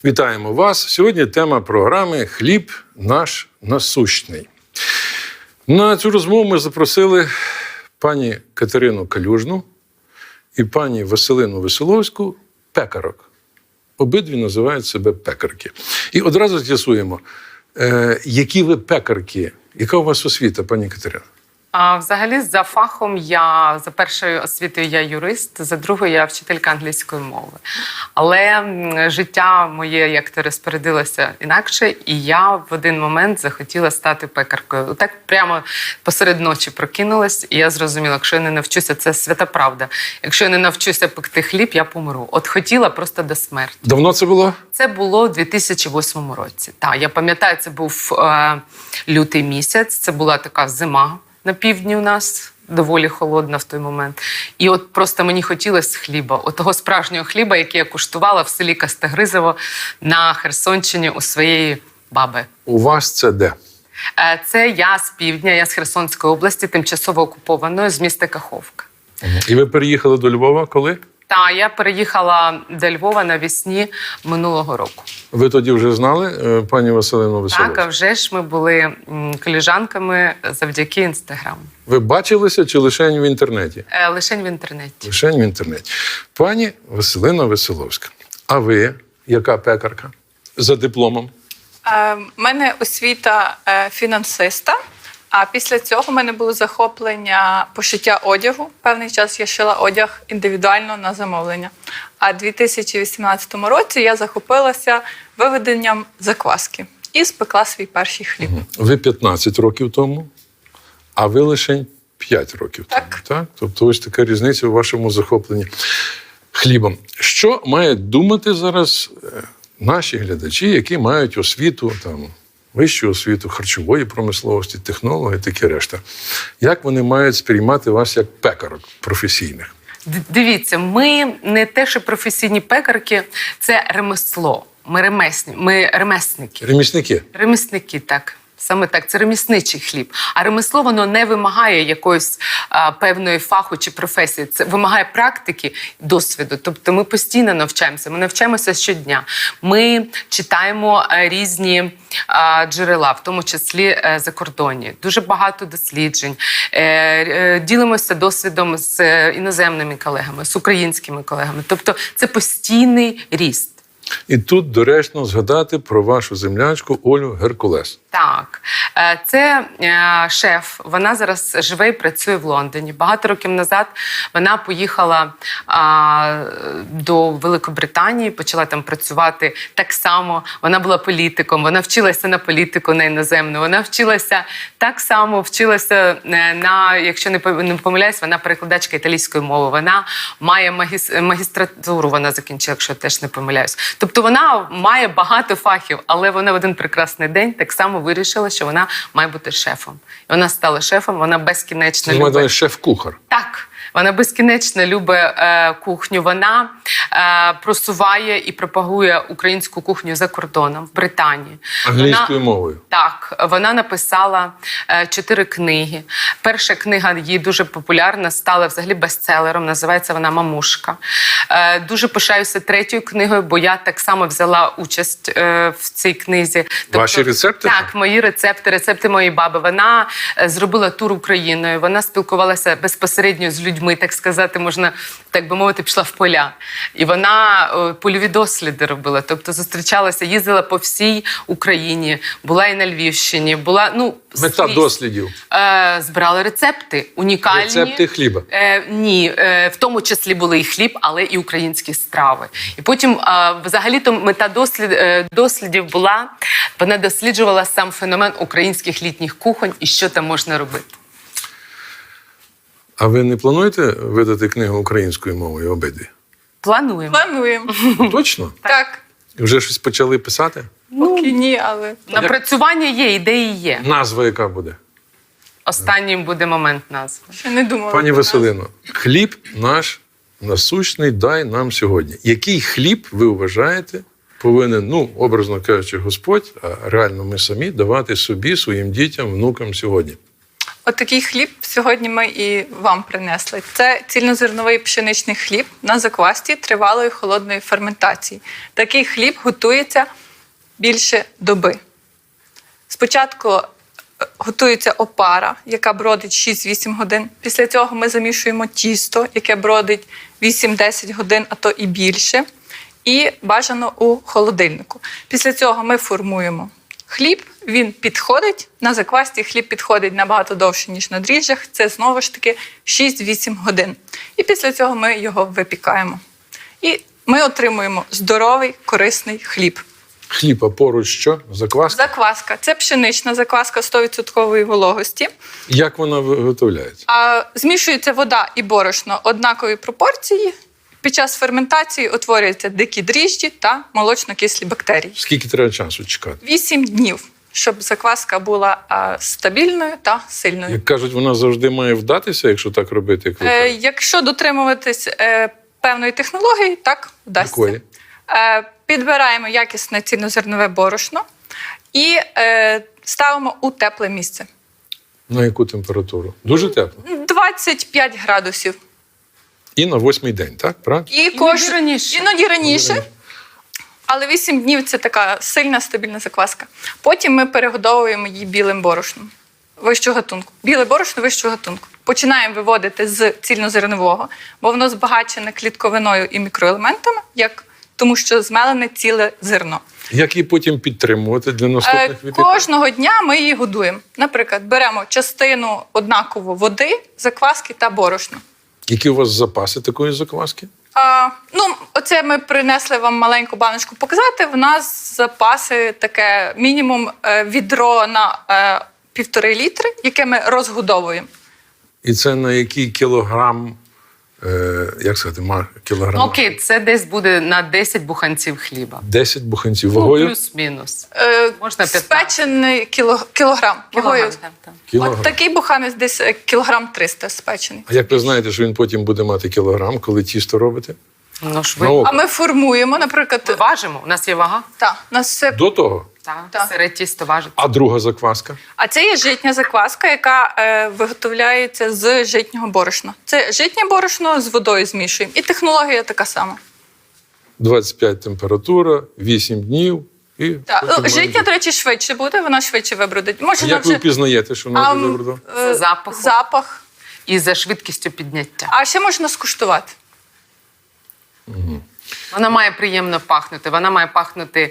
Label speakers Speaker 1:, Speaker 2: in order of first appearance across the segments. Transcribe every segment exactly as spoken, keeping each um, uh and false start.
Speaker 1: Вітаємо вас. Сьогодні тема програми «Хліб наш насущний». На цю розмову ми запросили пані Катерину Калюжну і пані Василину Веселовську, пекарок. Обидві називають себе пекарки. І одразу з'ясуємо, е, які ви пекарки, яка у вас освіта, пані Катерина?
Speaker 2: А, взагалі, за фахом я, за першою освітою я юрист, за другою я вчителька англійської мови. Але м, життя моє як-то розпорядилося інакше, і я в один момент захотіла стати пекаркою. Так прямо посеред ночі прокинулась, і я зрозуміла, якщо я не навчуся, це свята правда. Якщо я не навчуся пекти хліб, я помру. От хотіла просто до смерті.
Speaker 1: Давно це було?
Speaker 2: Це було у дві тисячі восьмому році. Так, я пам'ятаю, це був е, лютий місяць, це була така зима. На півдні у нас доволі холодно в той момент. І от просто мені хотілося хліба. От того справжнього хліба, який я куштувала в селі Кастегризово на Херсонщині у своєї баби.
Speaker 1: У вас це де?
Speaker 2: Це я з півдня, я з Херсонської області, тимчасово окупованої, з міста Каховка.
Speaker 1: І ви переїхали до Львова коли?
Speaker 2: Та, я переїхала до Львова навесні минулого року.
Speaker 1: Ви тоді вже знали пані Василину Веселовську?
Speaker 2: Так, а вже ж ми були м, колежанками завдяки Інстаграму.
Speaker 1: Ви бачилися чи лише в інтернеті?
Speaker 2: Е, лишень в інтернеті.
Speaker 1: Лише в інтернеті. Пані Василина Веселовська, а ви яка пекарка за дипломом?
Speaker 3: У мене освіта е, фінансиста, а після цього в мене було захоплення пошиття одягу. Певний час я шила одяг індивідуально на замовлення. А в дві тисячі вісімнадцятому році я захопилася виведенням закваски і спекла свій перший хліб.
Speaker 1: Ви п'ятнадцять років тому, а ви лише п'ять років тому.
Speaker 3: Так.
Speaker 1: Так? Тобто ось така різниця у вашому захопленні хлібом. Що мають думати зараз наші глядачі, які мають освіту, там, вищу освіту харчової промисловості, технології, таке решта? Як вони мають сприймати вас як пекарок професійних?
Speaker 2: Дивіться, ми не те, що професійні пекарки, це ремесло. Ми ремесні, ми ремесники.
Speaker 1: Ремісники?
Speaker 2: Ремісники, так. Саме так, це ремісничий хліб. А ремесло, воно не вимагає якоїсь а, певної фаху чи професії. Це вимагає практики, досвіду. Тобто ми постійно навчаємося, ми навчаємося щодня. Ми читаємо а, різні а, джерела, в тому числі а, закордонні. Дуже багато досліджень. Е, е, ділимося досвідом з е, іноземними колегами, з українськими колегами. Тобто це постійний ріст.
Speaker 1: І тут доречно згадати про вашу землячку Олю Геркулес.
Speaker 2: Так, це шеф, вона зараз живе і працює в Лондоні. Багато років назад вона поїхала а, до Великобританії, почала там працювати так само. Вона була політиком, вона вчилася на політику, на іноземну. Вона вчилася так само, вчилася на, якщо не помиляюсь, вона перекладачка італійської мови. Вона має магіс, магістратуру, вона закінчила, якщо теж не помиляюсь. Тобто вона має багато фахів, але вона в один прекрасний день так само вирішила, що вона має бути шефом. І вона стала шефом, вона безкінечно любить...
Speaker 1: Це шеф-кухар.
Speaker 2: Так. Вона безкінечно любить е, кухню. Вона е, просуває і пропагує українську кухню за кордоном, в Британії.
Speaker 1: Англійською
Speaker 2: вона,
Speaker 1: мовою?
Speaker 2: Так. Вона написала е, чотири книги. Перша книга її дуже популярна, стала взагалі бестселером, називається вона «Мамушка». Е, дуже пишаюся третьою книгою, бо я так само взяла участь е, в цій книзі. Тобто,
Speaker 1: ваші рецепти?
Speaker 2: Так, мої рецепти, рецепти моєї баби. Вона е, зробила тур Україною, вона спілкувалася безпосередньо з людьми. Ми, так сказати, можна, так би мовити, пішла в поля. І вона о, польові досліди робила, тобто зустрічалася, їздила по всій Україні, була і на Львівщині, була, ну...
Speaker 1: Мета
Speaker 2: скрізь.
Speaker 1: дослідів?
Speaker 2: Е, збирали рецепти, унікальні.
Speaker 1: Рецепти хліба?
Speaker 2: Е, ні, е, в тому числі були і хліб, але і українські страви. І потім, е, взагалі-то, мета дослід, е, дослідів була, вона досліджувала сам феномен українських літніх кухонь і що там можна робити.
Speaker 1: А ви не плануєте видати книгу українською мовою обидві?
Speaker 2: Плануємо.
Speaker 3: Плануємо.
Speaker 1: Точно?
Speaker 3: Так.
Speaker 1: Вже щось почали писати?
Speaker 3: Поки ні, але...
Speaker 2: Напрацювання є, ідеї є.
Speaker 1: Назва яка буде?
Speaker 2: Останнім буде момент назви.
Speaker 3: Ще не думала.
Speaker 1: Пані
Speaker 3: про
Speaker 1: Василино, хліб наш насущний дай нам сьогодні. Який хліб, ви вважаєте, повинен, ну, образно кажучи, Господь, а реально ми самі, давати собі, своїм дітям, внукам сьогодні?
Speaker 3: Отакий хліб сьогодні ми і вам принесли. Це цільнозерновий пшеничний хліб на заквасці тривалої холодної ферментації. Такий хліб готується більше доби. Спочатку е, готується опара, яка бродить шість-вісім годин. Після цього ми замішуємо тісто, яке бродить вісім-десять годин, а то і більше. І бажано у холодильнику. Після цього ми формуємо хліб, він підходить, на заквасці хліб підходить набагато довше, ніж на дріжджах. Це знову ж таки шість-вісім годин. І після цього ми його випікаємо. І ми отримуємо здоровий, корисний хліб.
Speaker 1: Хліб, а поруч що? Закваска?
Speaker 3: Закваска. Це пшенична закваска сто відсотків вологості.
Speaker 1: Як вона виготовляється?
Speaker 3: А, змішується вода і борошно однакові пропорції. Під час ферментації утворюються дикі дріжджі та молочно-кислі бактерії.
Speaker 1: Скільки треба часу чекати?
Speaker 3: Вісім днів, щоб закваска була а, стабільною та сильною.
Speaker 1: Як кажуть, вона завжди має вдатися, якщо так робити, як ви
Speaker 3: Е,
Speaker 1: кажете?
Speaker 3: якщо дотримуватись е, певної технології, так вдасться.
Speaker 1: Якої?
Speaker 3: Е, підбираємо якісне цільнозернове борошно і е, ставимо у тепле місце.
Speaker 1: На яку температуру? Дуже тепло.
Speaker 3: двадцять п'ять градусів.
Speaker 1: І на восьмий день, так? Правильно?
Speaker 3: І
Speaker 2: Іноді
Speaker 3: кож...
Speaker 2: раніше.
Speaker 3: Іноді раніше. Але вісім днів – це така сильна, стабільна закваска. Потім ми перегодовуємо її білим борошном вищого гатунку. Біле борошно вищого гатунку. Починаємо виводити з цільнозернового, бо воно збагачене клітковиною і мікроелементами, як... тому що змелене ціле зерно.
Speaker 1: Як її потім підтримувати для
Speaker 3: Е,
Speaker 1: наступних випікань?
Speaker 3: кожного дня ми її годуємо. Наприклад, беремо частину однаково води, закваски та борошна.
Speaker 1: Які у вас запаси такої закваски?
Speaker 3: А, ну, оце ми принесли вам маленьку баночку показати. В нас запаси таке мінімум е, відро на е, півтори літри, яке ми розгодовуємо.
Speaker 1: І це на який кілограм, е, як сказати, ма- кілограм?
Speaker 2: Окей, це десь буде на десять буханців хліба.
Speaker 1: десять буханців
Speaker 2: Ну,
Speaker 1: вагою?
Speaker 2: плюс-мінус.
Speaker 3: Е,
Speaker 2: Можна п'ятнадцять.
Speaker 3: спечений кіло, кілограм.
Speaker 2: Кілограм,
Speaker 3: Вагою.
Speaker 2: так, так.
Speaker 1: Кілограм.
Speaker 3: От такий буханець десь е, кілограм триста спечений.
Speaker 1: А як ви знаєте, що він потім буде мати кілограм, коли тісто робите?
Speaker 2: Ну ж ви.
Speaker 1: Ну,
Speaker 3: А ми формуємо, наприклад,
Speaker 2: Ми важимо, у нас є вага.
Speaker 3: та, у нас все.
Speaker 1: До того.
Speaker 2: Так,
Speaker 3: Так.
Speaker 2: сире тісто важить.
Speaker 1: А друга закваска?
Speaker 3: А це є житня закваска, яка е, виготовляється з житнього борошна. Це житнє борошно з водою змішуємо. І технологія така сама.
Speaker 1: двадцять п'ять температура, вісім днів. І
Speaker 3: Так.
Speaker 1: потім
Speaker 3: Ну, житня,
Speaker 1: маєте.
Speaker 3: до речі, швидше буде, вона швидше вибродить. Може,
Speaker 1: Як ви впізнаєте, що вона
Speaker 3: а,
Speaker 1: вже
Speaker 3: м,
Speaker 1: вибрала?
Speaker 3: е,
Speaker 2: За запахом.
Speaker 3: запах.
Speaker 2: І за швидкістю підняття.
Speaker 3: А ще можна скуштувати.
Speaker 2: Вона має приємно пахнути. Вона має пахнути.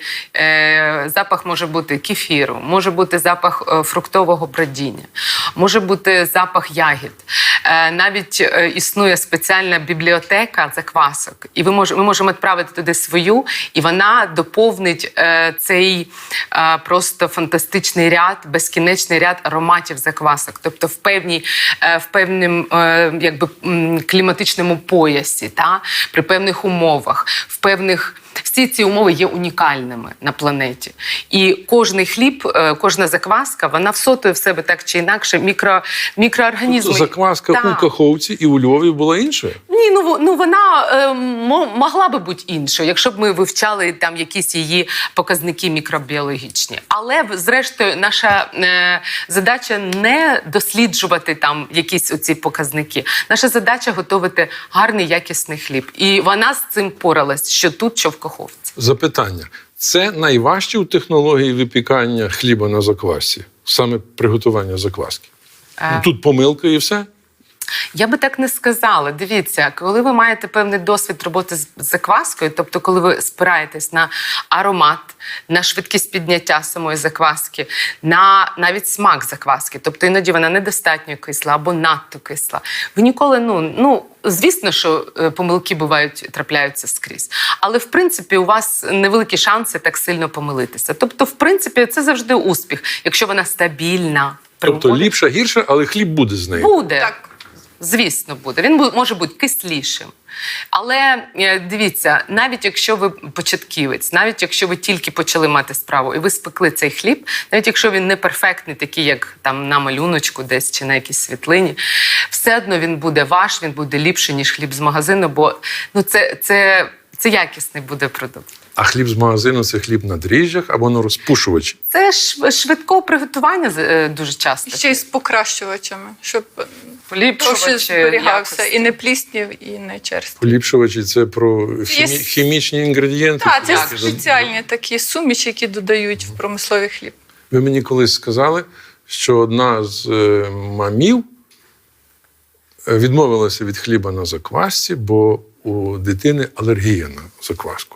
Speaker 2: Е, запах може бути кефіру, може бути запах е, фруктового бродіння, може бути запах ягід. Е, навіть е, існує спеціальна бібліотека заквасок, і ви мож, ми можемо відправити туди свою, і вона доповнить е, цей е, просто фантастичний ряд, безкінечний ряд ароматів заквасок. Тобто в певній, е, в певному е, якби м, кліматичному поясі, та при певних умовах. В певних всі ці умови є унікальними на планеті. І кожний хліб, е, кожна закваска, вона всотує в себе так чи інакше мікро, мікроорганізми.
Speaker 1: Тобто закваска
Speaker 2: Так.
Speaker 1: у Каховці і у Львові була іншою?
Speaker 2: Ні, ну, во- ну вона е, мо- могла би бути іншою, якщо б ми вивчали там якісь її показники мікробіологічні. Але зрештою, наша е, задача не досліджувати там якісь оці показники. Наша задача готувати гарний якісний хліб. І вона з цим поралась, що тут, що в Каховці.
Speaker 1: Запитання. Це найважче у технології випікання хліба на заквасці? Саме приготування закваски?
Speaker 2: Е.
Speaker 1: Ну, тут помилка і все?
Speaker 2: Я би так не сказала. Дивіться, коли ви маєте певний досвід роботи з закваскою, тобто коли ви спираєтесь на аромат, на швидкість підняття самої закваски, на навіть смак закваски, тобто іноді вона недостатньо кисла або надто кисла, ви ніколи, ну, ну звісно, що е, помилки бувають, трапляються скрізь. Але, в принципі, у вас невеликі шанси так сильно помилитися. Тобто, в принципі, це завжди успіх, якщо вона стабільна.
Speaker 1: Тобто
Speaker 2: приводить-
Speaker 1: ліпша, гірша, але хліб буде з нею?
Speaker 2: Буде.
Speaker 3: Так.
Speaker 2: Звісно, буде. Він бу- може бути кислішим. Але е, дивіться, навіть якщо ви початківець, навіть якщо ви тільки почали мати справу і ви спекли цей хліб, навіть якщо він не перфектний, такий, як там на малюночку десь чи на якійсь світлині, все одно він буде ваш, він буде ліпший, ніж хліб з магазину, бо ну, це, це, це якісний буде продукт.
Speaker 1: А хліб з магазину – це хліб на дріжджах або на розпушувачі?
Speaker 2: Це ж швидкого приготування е, дуже часто.
Speaker 3: Ще й з покращувачами, щоб
Speaker 2: Поліпшувачі,
Speaker 3: довше зберігався.
Speaker 2: якості.
Speaker 3: І не пліснів, і не черствів.
Speaker 1: Поліпшувачі – це про хімі...
Speaker 3: Є-
Speaker 1: хімічні інгредієнти?
Speaker 3: Так, це
Speaker 1: Які-
Speaker 3: спеціальні такі суміші, які додають в промисловий хліб.
Speaker 1: Ви мені колись сказали, що одна з е, мамів е, відмовилася від хліба на заквасці, бо у дитини алергія на закваску.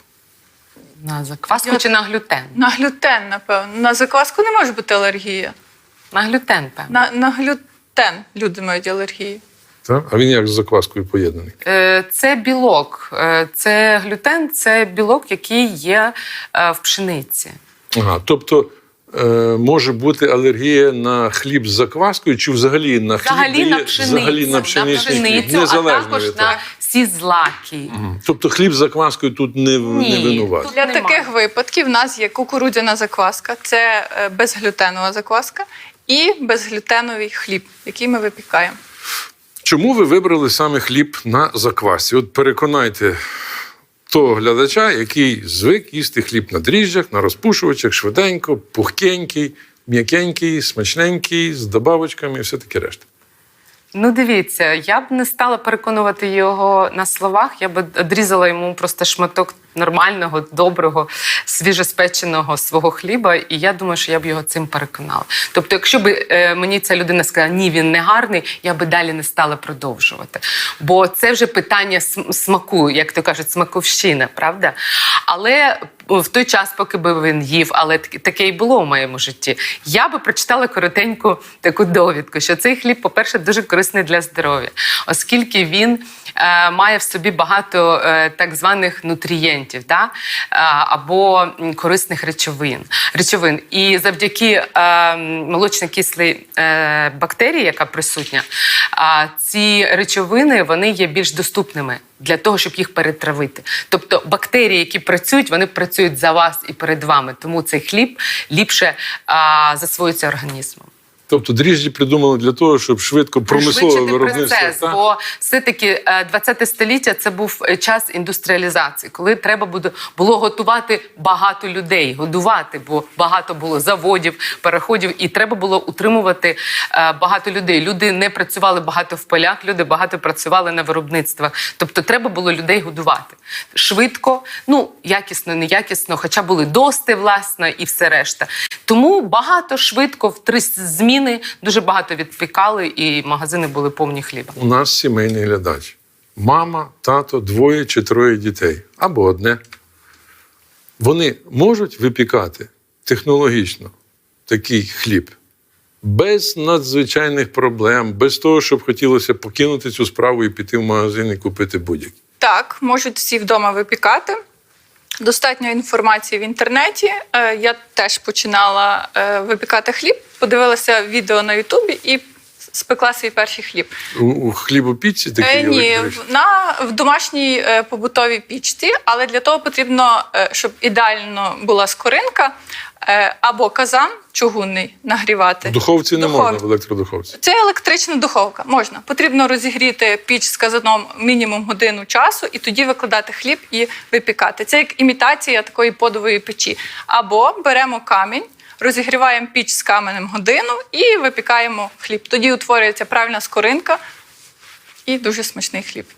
Speaker 2: На закваску
Speaker 3: Я-
Speaker 2: чи на глютен?
Speaker 3: На глютен, напевно. На закваску не може бути алергія.
Speaker 2: На глютен, певно.
Speaker 3: На, на глютен люди мають алергію.
Speaker 1: Так? А він як з закваскою поєднаний?
Speaker 2: Е, Це білок. Е, Це глютен, це білок, який є е, в пшениці.
Speaker 1: Ага, тобто е, може бути алергія на хліб з закваскою чи взагалі на хліб,
Speaker 2: Взагалі
Speaker 1: де
Speaker 2: на
Speaker 1: є-
Speaker 2: пшеницю,
Speaker 1: взагалі на пшеничний хліб,
Speaker 2: пшеницю, а
Speaker 1: незалежно
Speaker 2: також
Speaker 1: від
Speaker 2: на
Speaker 1: того.
Speaker 2: всі злаки.
Speaker 1: Тобто хліб з закваскою тут не,
Speaker 2: Ні,
Speaker 1: не винуватий.
Speaker 2: тут
Speaker 3: Для
Speaker 2: немає.
Speaker 3: таких випадків в нас є кукурудзяна закваска, це е, безглютенова закваска, і безглютеновий хліб, який ми випікаємо.
Speaker 1: Чому ви вибрали саме хліб на заквасці? От переконайте того глядача, який звик їсти хліб на дріжджах, на розпушувачах, швиденько, пухкенький, м'якенький, смачненький, з добавочками і все таке решта.
Speaker 2: Ну, дивіться, я б не стала переконувати його на словах, я б одрізала йому просто шматок нормального, доброго, свіжоспеченого свого хліба, і я думаю, що я б його цим переконала. Тобто, якщо б е, мені ця людина сказала, ні, він не гарний, я би далі не стала продовжувати. Бо це вже питання см- смаку, як то кажуть, смаковщина, правда? Але в той час, поки би він їв, але таке- таке і було в моєму житті, я би прочитала коротеньку таку довідку, що цей хліб, по-перше, дуже корисний для здоров'я, оскільки він е, має в собі багато е, так званих нутрієнтів, да? е, або м, корисних речовин. речовин. І завдяки е, молочно-кислій е, бактерії, яка присутня, е, ці речовини вони є більш доступними для того, щоб їх перетравити. Тобто бактерії, які працюють, вони працюють за вас і перед вами. Тому цей хліб ліпше а, засвоюється організмом.
Speaker 1: Тобто дріжджі придумали для того, щоб швидко промислове
Speaker 2: Пришвидшити
Speaker 1: виробництво.
Speaker 2: процес,
Speaker 1: так?
Speaker 2: бо все-таки ХХ століття – це був час індустріалізації, коли треба буде- було готувати багато людей, годувати, бо багато було заводів, переходів, і треба було утримувати е, багато людей. Люди не працювали багато в полях, люди багато працювали на виробництвах. Тобто треба було людей годувати. Швидко, ну, якісно, неякісно, хоча були дости, власне, і все решта. Тому багато, швидко, в три зміни дуже багато відпікали, і магазини були повні хліба.
Speaker 1: У нас сімейний глядач. Мама, тато, двоє чи троє дітей. Або одне. Вони можуть випікати технологічно такий хліб без надзвичайних проблем, без того, щоб хотілося покинути цю справу і піти в магазин і купити будь-який.
Speaker 3: Так, можуть всі вдома випікати. Достатньо інформації в інтернеті. Е, Я теж починала е, випікати хліб, подивилася відео на Ютубі і спекла свій перший хліб.
Speaker 1: У, у хлібопічці такі
Speaker 3: Е, ні,
Speaker 1: електричні?
Speaker 3: в- на, в домашній е, побутовій пічці, але для того потрібно, е, щоб ідеально була скоринка е, або казан чугунний нагрівати.
Speaker 1: В духовці не
Speaker 3: Духов-
Speaker 1: можна, в електродуховці.
Speaker 3: Це електрична духовка. Можна. Потрібно розігріти піч з казаном мінімум годину часу і тоді викладати хліб і випікати. Це як імітація такої подової печі. Або беремо камінь, розігріваємо піч з каменем годину і випікаємо хліб. Тоді утворюється правильна скоринка і дуже смачний хліб.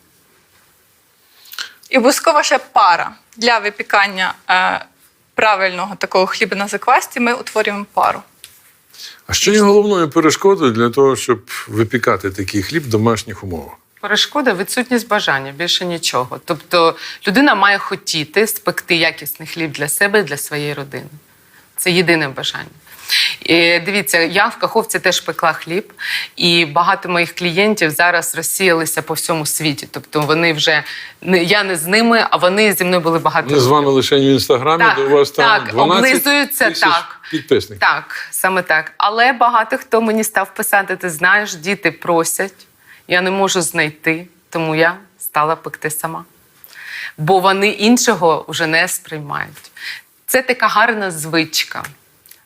Speaker 3: І обов'язково ще пара. Для випікання е, правильного такого хліба на заквасці ми утворюємо пару.
Speaker 1: А що є головною перешкодою для того, щоб випікати такий хліб в домашніх умовах?
Speaker 2: Перешкода – відсутність бажання, більше нічого. Тобто людина має хотіти спекти якісний хліб для себе і для своєї родини. Це єдине бажання. І дивіться, я в Каховці теж пекла хліб, і багато моїх клієнтів зараз розсіялися по всьому світі. Тобто вони вже, не- я не з ними, а вони зі мною були багато
Speaker 1: Вони з вами лише в інстаграмі,
Speaker 2: Так,
Speaker 1: де у вас там
Speaker 2: так,
Speaker 1: дванадцять
Speaker 2: облизуються,
Speaker 1: тисяч
Speaker 2: так.
Speaker 1: підписників.
Speaker 2: Так, саме так. Але багато хто мені став писати, ти знаєш, діти просять, я не можу знайти, тому я стала пекти сама. Бо вони іншого вже не сприймають. Це така гарна звичка.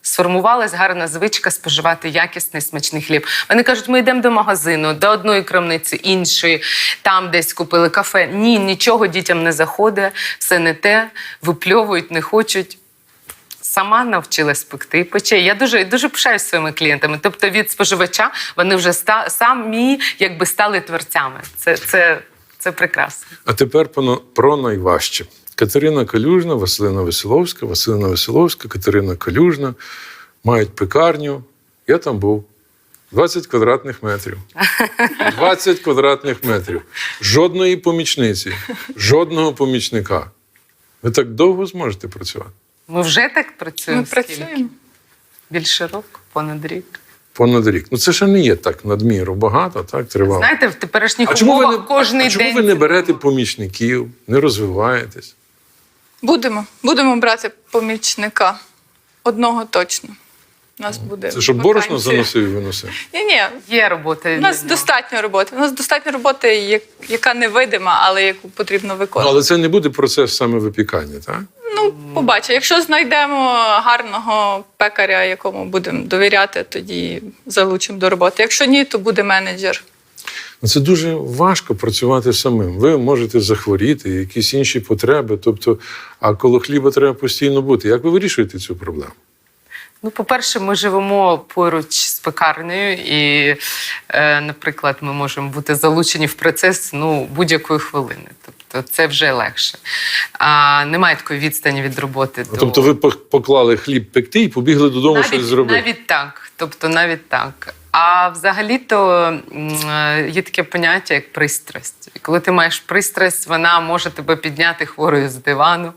Speaker 2: Сформувалась гарна звичка споживати якісний смачний хліб. Вони кажуть, ми йдемо до магазину, до одної крамниці, іншої, там десь купили кафе. Ні, нічого дітям не заходить, все не те, випльовують, не хочуть. Сама навчилась пекти і пече. Я дуже, дуже пишаюсь своїми клієнтами. Тобто від споживача вони вже ста, самі якби стали творцями. Це, це, це прекрасно.
Speaker 1: А тепер про- про найважче. Катерина Калюжна, Василина Веселовська, Василина Веселовська, Катерина Калюжна мають пекарню. Я там був. двадцять квадратних метрів. двадцять квадратних метрів. Жодної помічниці, жодного помічника. Ви так довго зможете працювати?
Speaker 2: Ми вже так працюємо.
Speaker 3: Ми
Speaker 2: скільки?
Speaker 3: працюємо.
Speaker 2: Більше року, понад рік.
Speaker 1: Понад рік. Ну це ще не є так надміру багато, так, тривало.
Speaker 2: Знаєте, в теперішніх
Speaker 1: А чому ви
Speaker 2: умовах
Speaker 1: не,
Speaker 2: кожний
Speaker 1: а чому
Speaker 2: день...
Speaker 1: ви не берете помічників, не розвиваєтесь?
Speaker 3: Будемо. Будемо брати помічника. Одного точно. У нас буде
Speaker 1: Це щоб борошно
Speaker 3: вакансія.
Speaker 1: заносив і виносив?
Speaker 3: Ні-ні,
Speaker 2: Є робота.
Speaker 3: у
Speaker 2: для
Speaker 3: нас
Speaker 2: нього.
Speaker 3: достатньо роботи. У нас достатньо роботи, як- яка невидима, але яку потрібно
Speaker 1: Ну,
Speaker 3: виконувати.
Speaker 1: але це не буде процес саме випікання, так?
Speaker 3: Ну, побачимо. Якщо знайдемо гарного пекаря, якому будемо довіряти, тоді залучимо до роботи. Якщо ні, то буде менеджер.
Speaker 1: Ну, це дуже важко працювати самим. Ви можете захворіти, якісь інші потреби. Тобто, а коло хліба треба постійно бути. Як ви вирішуєте цю проблему?
Speaker 2: Ну, по-перше, ми живемо поруч з пекарнею, і, е, наприклад, ми можемо бути залучені в процес ну, будь-якої хвилини. Тобто це вже легше. А, немає такої відстані від роботи.
Speaker 1: Ну,
Speaker 2: до...
Speaker 1: Тобто ви пок- поклали хліб пекти і побігли додому щось
Speaker 2: навіть,
Speaker 1: зробити?
Speaker 2: навіть так. Тобто навіть так. А взагалі-то м, е, є таке поняття, як пристрасть. І коли ти маєш пристрасть, вона може тебе підняти хворою з дивану,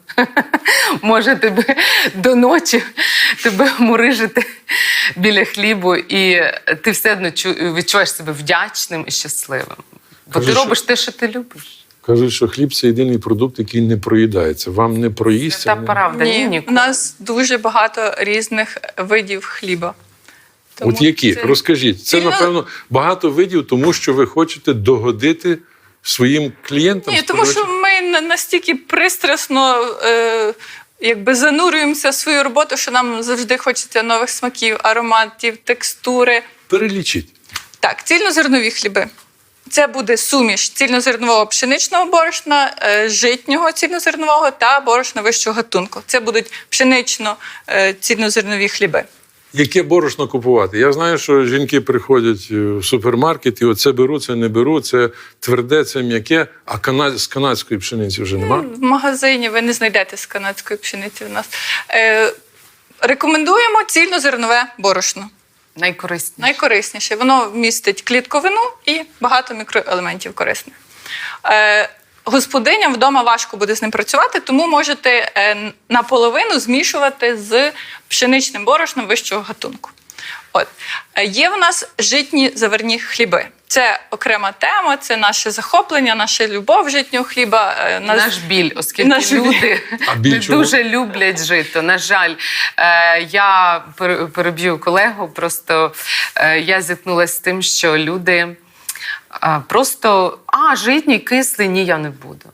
Speaker 2: може тебе до ночі тебе мурижити біля хлібу, і ти все одно чу- відчуваєш себе вдячним і щасливим. Бо
Speaker 1: Кажи,
Speaker 2: ти
Speaker 1: що-
Speaker 2: робиш те, що ти любиш.
Speaker 1: Кажуть, що хліб – це єдиний продукт, який не проїдається. Вам не проїсться?
Speaker 2: Та
Speaker 1: не-
Speaker 2: правда, ні,
Speaker 3: Ні, у
Speaker 2: ніколи. нас
Speaker 3: нас дуже багато різних видів хліба. Тому
Speaker 1: От які?
Speaker 3: це-
Speaker 1: Розкажіть. Це,
Speaker 3: Цільно-
Speaker 1: напевно, багато видів, тому що ви хочете догодити своїм клієнтам?
Speaker 3: Ні, тому що
Speaker 1: споживачам?
Speaker 3: ми на- настільки пристрасно е, якби занурюємося в свою роботу, що нам завжди хочеться нових смаків, ароматів, текстури.
Speaker 1: Перелічіть.
Speaker 3: Так, цільнозернові хліби. Це буде суміш цільнозернового пшеничного борошна, е, житнього цільнозернового та борошна вищого гатунку. Це будуть пшенично-цільнозернові хліби.
Speaker 1: Яке борошно купувати? Я знаю, що жінки приходять в супермаркет і оце беру, це не беру, це тверде, це м'яке, а кана... з канадської пшениці вже нема?
Speaker 3: В магазині ви не знайдете з канадської пшениці в нас. Е, рекомендуємо цільнозернове борошно.
Speaker 2: Найкорисніше.
Speaker 3: Найкорисніше. Воно містить клітковину і багато мікроелементів корисних. Е, господиням вдома важко буде з ним працювати, тому можете е, наполовину змішувати з пшеничним борошном вищого гатунку. От. Е, є в нас житні заварні хліби. Це окрема тема, це наше захоплення, наша любов житнього хліба. Е, нас-
Speaker 2: Наш біль, оскільки
Speaker 3: Наш біль.
Speaker 2: люди
Speaker 1: А біль
Speaker 2: не
Speaker 1: чому?
Speaker 2: дуже люблять жито. На жаль, е, я пер- переб'ю колегу. Просто е, я зіткнулася з тим, що люди е, просто а, житній, кислий, ні, я не буду.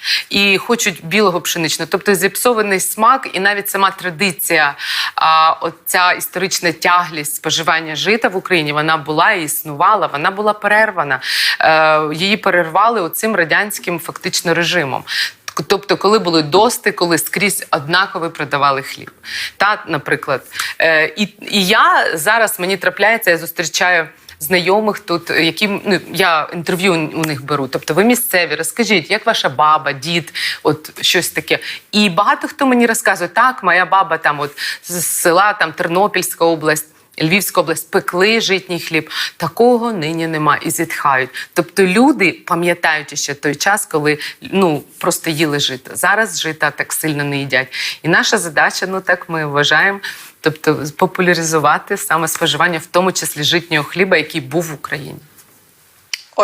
Speaker 2: І хочуть білого пшеничного, тобто зіпсований смак, і навіть сама традиція, а, оця історична тяглість споживання жита в Україні, вона була і існувала, вона була перервана. Е, її перервали оцим радянським фактично режимом. Тобто, коли були дости, коли скрізь однаково продавали хліб. Та, наприклад. Е, і, і я зараз, мені трапляється, я зустрічаю знайомих тут, які ну, я інтерв'ю у них беру. Тобто ви місцеві, розкажіть, як ваша баба, дід, от щось таке. І багато хто мені розказує, так, моя баба там от з села там Тернопільська область, Львівська область, пекли житній хліб. Такого нині нема і зітхають. Тобто люди пам'ятають ще той час, коли ну, просто їли жито. Зараз жита так сильно не їдять. І наша задача, ну так ми вважаємо, тобто популяризувати саме споживання, в тому числі житнього хліба, який був в Україні.
Speaker 3: От,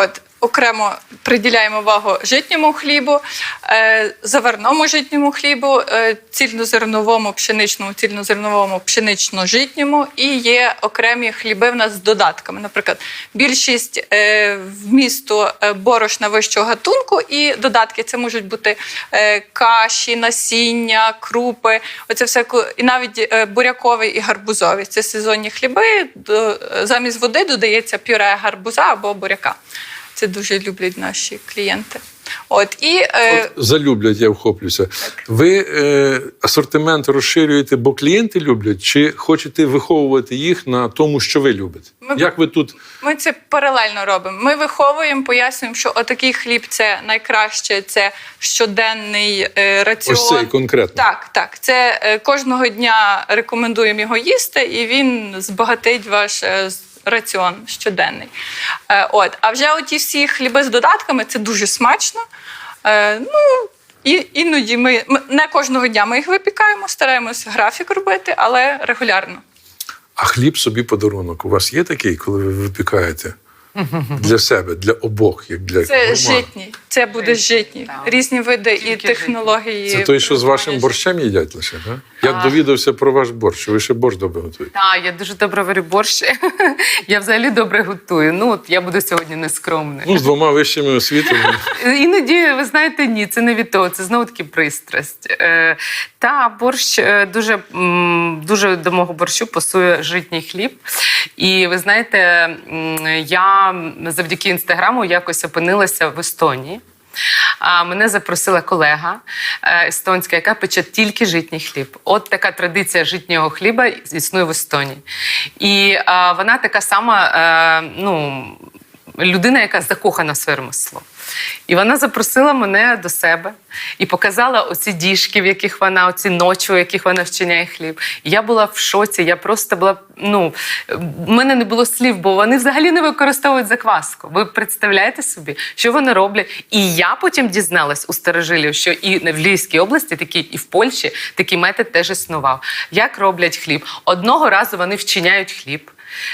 Speaker 3: окремо приділяємо увагу житньому хлібу, е, заварному житньому хлібу, е, цільнозерновому пшеничному, цільнозерновому пшенично-житньому, і є окремі хліби в нас з додатками. Наприклад, більшість е, вмісту е, борошна вищого гатунку і додатки. Це можуть бути е, каші, насіння, крупи, оце все, ку- і навіть е, буряковий і гарбузовий. Це сезонні хліби. До, замість води додається пюре гарбуза або буряка. Це дуже люблять наші клієнти. От, і, е,
Speaker 1: От залюблять, я вхоплюся. Ви е, асортимент розширюєте, бо клієнти люблять, чи хочете виховувати їх на тому, що ви любите?
Speaker 3: Ми-
Speaker 1: Як ви тут?
Speaker 3: Ми це паралельно робимо. Ми виховуємо, пояснюємо, що отакий хліб це найкраще, це щоденний е, раціон.
Speaker 1: Ось цей конкретно.
Speaker 3: Так, так. Це е, кожного дня рекомендуємо його їсти, і він збагатить ваш е, з- раціон щоденний. Е, от. А вже оті всі хліби з додатками це дуже смачно. Е, ну, і, іноді ми, ми не кожного дня ми їх випікаємо, стараємося графік робити, але регулярно.
Speaker 1: А хліб собі подарунок. У вас є такий, коли ви випікаєте для себе, для обох, як для
Speaker 3: Це
Speaker 1: гурмана?
Speaker 3: житній, це буде житній.
Speaker 2: Так.
Speaker 3: Різні види і
Speaker 2: Тільки
Speaker 3: технології.
Speaker 1: Це той, що з вашим
Speaker 3: приготування
Speaker 1: борщем їдять лише, так? Я
Speaker 2: Так.
Speaker 1: довідався про ваш борщ, що ви ще борщ добре готуєте.
Speaker 2: Так, я дуже добре варю борщ. Я взагалі добре готую. Ну, от я буду сьогодні нескромною.
Speaker 1: Ну, з двома вищими освітами.
Speaker 2: Іноді, ви знаєте, ні, це не від того, це знову таки пристрасть. Е, та борщ е, дуже, м, дуже до мого борщу пасує житній хліб. І ви знаєте, м, я завдяки інстаграму якось опинилася в Естонії. А мене запросила колега е, естонська, яка пече тільки житній хліб. От така традиція житнього хліба існує в Естонії. І е, вона така сама, е, ну, людина, яка закохана в своє ремесло. І вона запросила мене до себе і показала оці діжки, в яких вона, оці ночі, в яких вона вчиняє хліб. І я була в шоці, я просто була, ну, в мене не було слів, бо вони взагалі не використовують закваску. Ви представляєте собі, що вони роблять? І я потім дізналась у старожилів, що і в Львівській області, такий, і в Польщі такий метод теж існував. Як роблять хліб? Одного разу вони вчиняють хліб.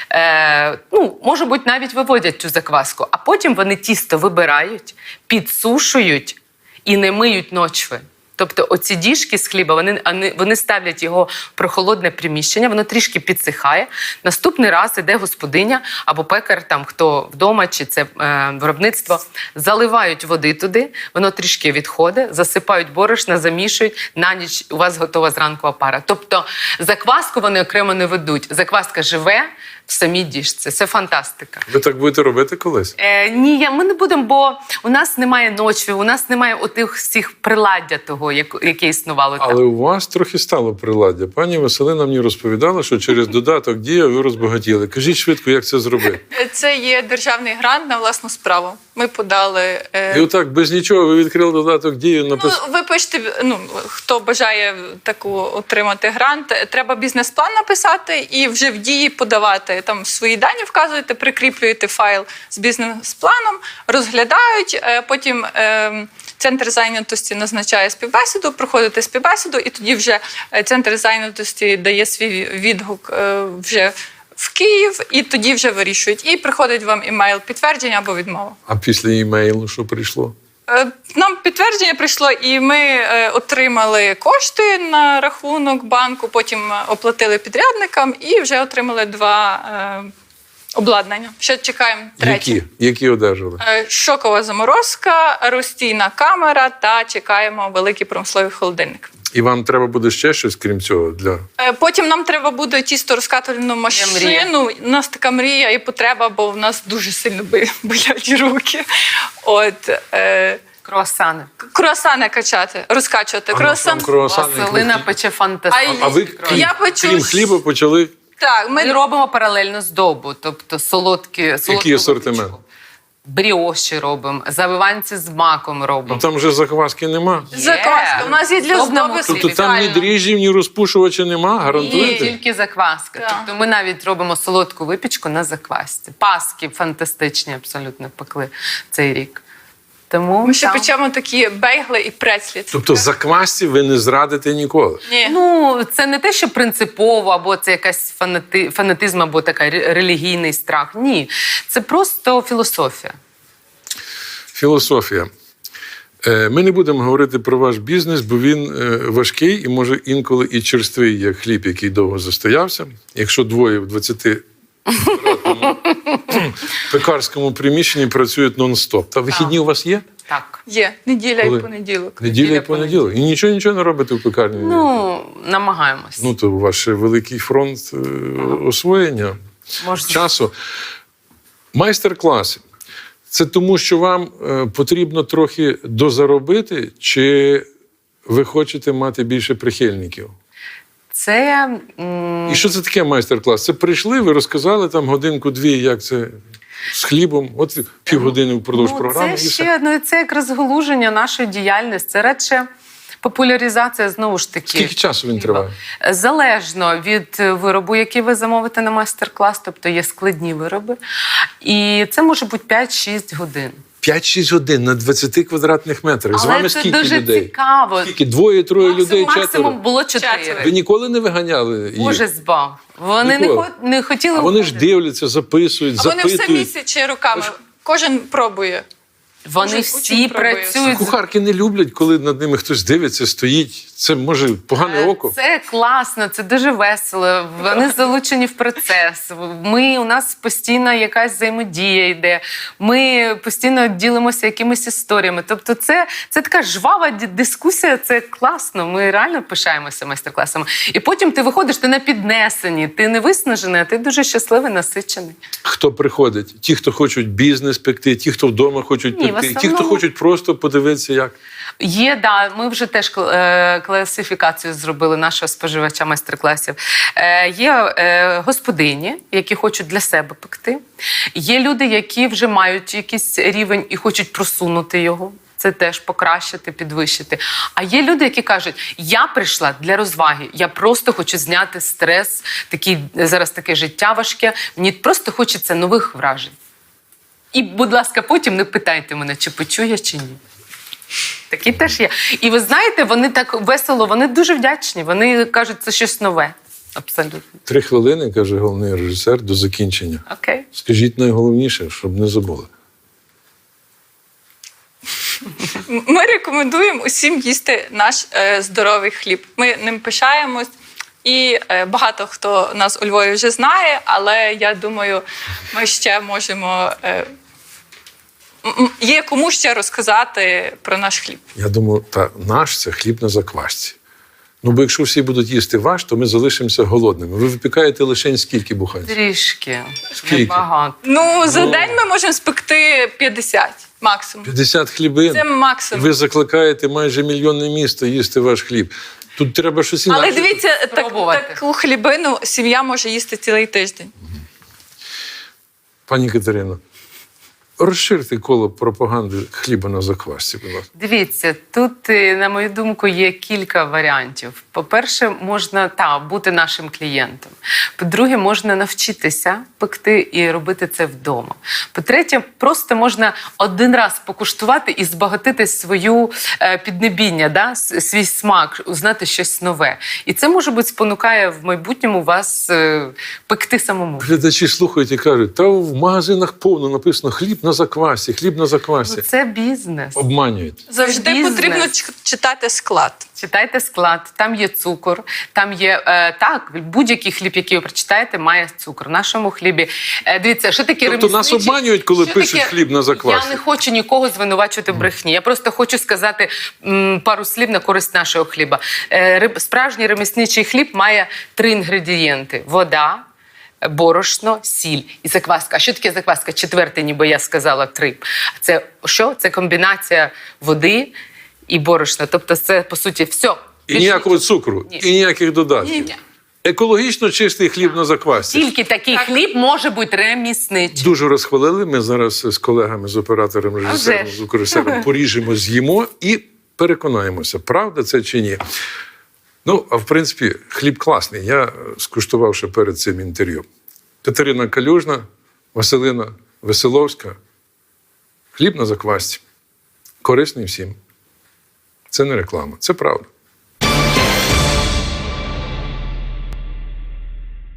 Speaker 2: Е, ну, може бути, навіть виводять цю закваску, а потім вони тісто вибирають, підсушують і не миють ночви. Тобто оці діжки з хліба, вони, вони- вони ставлять його в прохолодне приміщення, воно трішки підсихає. Наступний раз іде господиня або пекар, там, хто вдома, чи це е, виробництво, заливають води туди, воно трішки відходить, засипають борошна, замішують, на ніч у вас готова зранку опара. Тобто закваску вони окремо не ведуть. Закваска живе в самій діжці. Це фантастика.
Speaker 1: Ви так будете робити колись?
Speaker 2: Е, ні, я, ми не будемо, бо у нас немає ночі, у нас немає отих всіх приладдя того, як, яке існувало там.
Speaker 1: Але у вас трохи стало приладдя. Пані Василина мені розповідала, що через додаток «Дія» ви розбагатіли. Кажіть швидко, як це зробити.
Speaker 3: Це є державний грант на власну справу. Ми подали. е,
Speaker 1: І отак, без нічого, ви відкрили додаток «Дію», написали.
Speaker 3: Ну, ви пишете, ну, хто бажає таку отримати грант, треба бізнес-план написати і вже в дії подавати. Там свої дані вказуєте, прикріплюєте файл з бізнес-планом, розглядають, е, потім е, центр зайнятості назначає співбесіду, проходите співбесіду, і тоді вже е, центр зайнятості дає свій відгук е, вже в Київ, і тоді вже вирішують. І приходить вам імейл підтвердження або відмова.
Speaker 1: А після імейлу що прийшло?
Speaker 3: Е, Нам підтвердження прийшло, і ми е, отримали кошти на рахунок банку, потім оплатили підрядникам і вже отримали два е, обладнання. Ще чекаємо третє.
Speaker 1: Які? Які одержали?
Speaker 3: Е, Шокова заморозка, розстійна камера та чекаємо великий промисловий холодильник.
Speaker 1: І вам треба буде ще щось, крім цього, для...
Speaker 3: Е, Потім нам треба буде тісто розкатувальну машину. У нас така мрія і потреба, бо в нас дуже сильно би- болять руки. От, е,
Speaker 2: Круасани.
Speaker 3: круасани качати, розкачувати.
Speaker 1: Ага,
Speaker 3: Круасан.
Speaker 1: там круасани.
Speaker 2: Василина пече фантастично.
Speaker 1: А ви,
Speaker 3: А
Speaker 1: крім,
Speaker 3: я печу
Speaker 1: крім
Speaker 3: з-
Speaker 1: хліба, почали...
Speaker 3: Так,
Speaker 2: Ми
Speaker 3: ми
Speaker 2: робимо паралельно здобу, тобто солодкі, солодку
Speaker 1: асортимент?
Speaker 2: випічку. Бріоші робимо, завиванці з маком
Speaker 1: Ну,
Speaker 2: робимо.
Speaker 1: там вже закваски нема.
Speaker 3: закваска. У нас є для
Speaker 2: Здобному
Speaker 3: здоби
Speaker 2: хлібі.
Speaker 1: Тобто там ні
Speaker 3: спеціально.
Speaker 1: дріжджів, ні розпушувача нема,
Speaker 2: Ні,
Speaker 1: гарантуєте?
Speaker 2: тільки закваска.
Speaker 3: Так.
Speaker 2: Тобто ми навіть робимо солодку випічку на заквасці. Паски фантастичні абсолютно пекли цей рік. Тому
Speaker 3: Ми ще
Speaker 2: там-
Speaker 3: печемо такі бейгли і прецлі.
Speaker 1: Тобто заквасці ви не зрадите ніколи.
Speaker 3: Ні.
Speaker 2: Ну, це не те, що принципово, або це якась фанати... фанатизм, або така ре- релігійний страх. Ні, це просто філософія.
Speaker 1: філософія. Е, Ми не будемо говорити про ваш бізнес, бо він е, важкий і може інколи і черствий, як хліб, який довго застоявся. Якщо двоє в двадцятиквадратному пекарському приміщенні працюють нон-стоп. Та вихідні у вас є?
Speaker 2: Так.
Speaker 3: Є неділя
Speaker 1: Коли?
Speaker 3: і понеділок.
Speaker 1: Неділя і
Speaker 2: Неділя,
Speaker 1: понеділок. І нічого нічого не робите в пекарні?
Speaker 2: Ну, намагаємось.
Speaker 1: Ну, то у вас ще великий фронт е, освоєння
Speaker 2: Можна.
Speaker 1: часу. Майстер-класи. Це тому, що вам е, потрібно трохи дозаробити, чи ви хочете мати більше прихильників?
Speaker 2: Це м,
Speaker 1: І що це таке майстер-клас? Це прийшли, ви розказали там годинку-дві, як це з хлібом, от півгодини впродовж
Speaker 2: ну,
Speaker 1: програми.
Speaker 2: це
Speaker 1: і все.
Speaker 2: ще ну, це як розгалуження нашої діяльності. Це радше популяризація, знову ж таки.
Speaker 1: Скільки часу він триває?
Speaker 2: Залежно від виробу, який ви замовите на майстер-клас, тобто є складні вироби. І це може бути п'ять-шість годин.
Speaker 1: п'ять-шість годин на двадцяти квадратних метрах. З
Speaker 2: Але
Speaker 1: вами
Speaker 2: це
Speaker 1: скільки
Speaker 2: дуже
Speaker 1: людей?
Speaker 2: цікаво.
Speaker 1: Скільки? Двоє-троє людей,
Speaker 2: Максимум,
Speaker 1: четверо?
Speaker 2: максимум було
Speaker 3: Четверо.
Speaker 2: чотири.
Speaker 1: Ви ніколи не виганяли їх?
Speaker 2: Боже збав. Вони не,
Speaker 1: Ніколи.
Speaker 2: хо- не хотіли.
Speaker 1: А вони ж
Speaker 2: виходити.
Speaker 1: дивляться, записують,
Speaker 3: А вони все
Speaker 1: запитують.
Speaker 3: місячі руками. Кожен пробує.
Speaker 2: Вони
Speaker 3: Кожен
Speaker 2: всі
Speaker 3: учень пробує.
Speaker 2: працюють.
Speaker 1: Кухарки не люблять, коли над ними хтось дивиться, стоїть. Це може погане око.
Speaker 2: Це класно, це дуже весело. Вони залучені в процес. Ми, у нас постійно якась взаємодія йде. Ми постійно ділимося якимись історіями. Тобто, це, це така жвава ді- дискусія, це класно. Ми реально пишаємося майстер-класами. І потім ти виходиш, ти на піднесенні, ти не виснажений, а ти дуже щасливий, насичений.
Speaker 1: Хто приходить? Ті, хто хочуть бізнес пекти, ті, хто вдома хочуть
Speaker 2: Ні, в
Speaker 1: пекти, ті, хто
Speaker 2: основному-
Speaker 1: хочуть просто подивитися, як.
Speaker 2: Є, да, ми вже теж кл- е, класифікацію зробили нашого споживача майстер-класів. Е, Є е, господині, які хочуть для себе пекти. Є люди, які вже мають якийсь рівень і хочуть просунути його. Це теж покращити, підвищити. А є люди, які кажуть, я прийшла для розваги, я просто хочу зняти стрес, такий, зараз таке життя важке, мені просто хочеться нових вражень. І, будь ласка, потім не питайте мене, чи почую я, чи ні. Такі теж є. І ви знаєте, вони так весело, вони дуже вдячні. Вони кажуть, це щось нове. Абсолютно.
Speaker 1: Три хвилини, каже головний режисер, до закінчення.
Speaker 2: Окей.
Speaker 1: Скажіть найголовніше, щоб не забули.
Speaker 3: Ми рекомендуємо усім їсти наш е, здоровий хліб. Ми ним пишаємось. І е, багато хто нас у Львові вже знає, але я думаю, ми ще можемо. Е, м- м- є кому ще розказати про наш хліб.
Speaker 1: Я думаю, та наш це хліб на заквасці. Ну, бо якщо всі будуть їсти ваш, то ми залишимося голодними. Ви випікаєте лише скільки буханців?
Speaker 2: Трішки.
Speaker 1: Скільки?
Speaker 2: Небагато.
Speaker 3: Ну, за
Speaker 1: Ну.
Speaker 3: день ми можемо спекти п'ятдесят максимум.
Speaker 1: п'ятдесят хлібин.
Speaker 3: Це максимум.
Speaker 1: Ви закликаєте майже мільйонне місто їсти ваш хліб. Тут треба щось інакше.
Speaker 3: Але дивіться, так,
Speaker 2: Спробувати.
Speaker 3: таку хлібину сім'я може їсти цілий тиждень.
Speaker 1: Пані Катерино, розширте коло пропаганди хліба на заквасці, будь ласка.
Speaker 2: Дивіться, тут, е, на мою думку, є кілька варіантів. По-перше, можна та, бути нашим клієнтом. По-друге, можна навчитися пекти і робити це вдома. По-третє, просто можна один раз покуштувати і збагатити свою е, піднебіння, да? с- свій смак, узнати щось нове. І це, може бути, спонукає в майбутньому вас е, пекти самому.
Speaker 1: Глядачі слухають і кажуть, та в магазинах повно написано хліб на заквасці, хліб на заквасці.
Speaker 2: Ну, це бізнес.
Speaker 1: Обманюють.
Speaker 3: Завжди
Speaker 2: бізнес.
Speaker 3: потрібно ч- читати склад.
Speaker 2: Читайте склад, там є цукор, там є е, так, будь-який хліб, який ви прочитаєте, має цукор. В нашому хлібі. Е, дивіться, що таке
Speaker 1: Тобто нас
Speaker 2: ремісничий-
Speaker 1: обманюють, коли
Speaker 2: що
Speaker 1: пишуть
Speaker 2: таке-
Speaker 1: хліб на заквасці?
Speaker 2: Я не хочу нікого звинувачувати в брехні. Я просто хочу сказати м, пару слів на користь нашого хліба. Е, риб- справжній ремісничий хліб має три інгредієнти: вода, борошно, сіль і закваска. А що таке закваска? Четверте, ніби я сказала три. Це що? Це комбінація води і борошна. Тобто це, по суті, все.
Speaker 1: І ніякого цукру,
Speaker 2: Ні.
Speaker 1: і ніяких додатків.
Speaker 2: Ні.
Speaker 1: Екологічно чистий хліб на заквасці.
Speaker 2: Тільки такий хліб може бути ремісничий.
Speaker 1: Дуже розхвалили. Ми зараз з колегами, з оператором, режисером,
Speaker 2: вже ж.
Speaker 1: звукорежисером поріжемо, з'їмо і переконаємося, правда це чи ні. Ну, а в принципі, хліб класний. Я скуштував ще перед цим інтерв'ю. Катерина Калюжна, Василина Веселовська. Хліб на заквасці. Корисний всім. Це не реклама, це правда.